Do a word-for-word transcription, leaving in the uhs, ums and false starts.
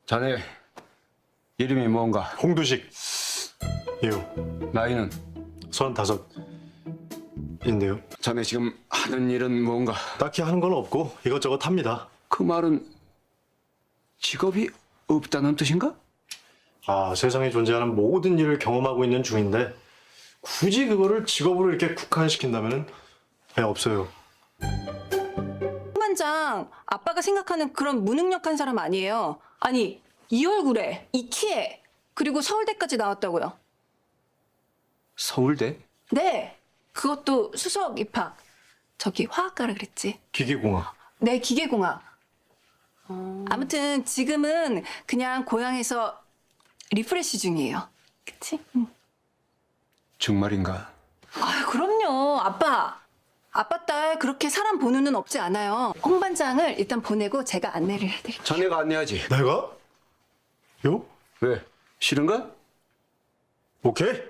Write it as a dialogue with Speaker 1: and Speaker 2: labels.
Speaker 1: 자네 이름이 뭔가?
Speaker 2: 홍두식. 이요.
Speaker 1: 나이는?
Speaker 2: 서른다섯인데요.
Speaker 1: 자네 지금 하는 일은 뭔가?
Speaker 2: 딱히 하는 건 없고 이것저것 합니다.
Speaker 1: 그 말은 직업이 없다는 뜻인가?
Speaker 2: 아, 세상에 존재하는 모든 일을 경험하고 있는 중인데 굳이 그거를 직업으로 이렇게 국한시킨다면은 그냥 없어요.
Speaker 3: 반장, 아빠가 생각하는 그런 무능력한 사람 아니에요. 아니, 이 얼굴에, 이 키에, 그리고 서울대까지 나왔다고요.
Speaker 1: 서울대?
Speaker 3: 네, 그것도 수석 입학. 저기 화학과라 그랬지.
Speaker 2: 기계공학.
Speaker 3: 네, 기계공학. 아무튼 지금은 그냥 고향에서 리프레시 중이에요. 그치? 응.
Speaker 1: 정말인가?
Speaker 3: 아, 그럼요. 아빠. 아빠 딸 그렇게 사람 보는 눈 없지 않아요. 홍 반장을 일단 보내고 제가 안내를 해드릴게요.
Speaker 1: 자네가 안내하지.
Speaker 2: 내가? 요?
Speaker 1: 왜? 싫은가?
Speaker 2: 오케이.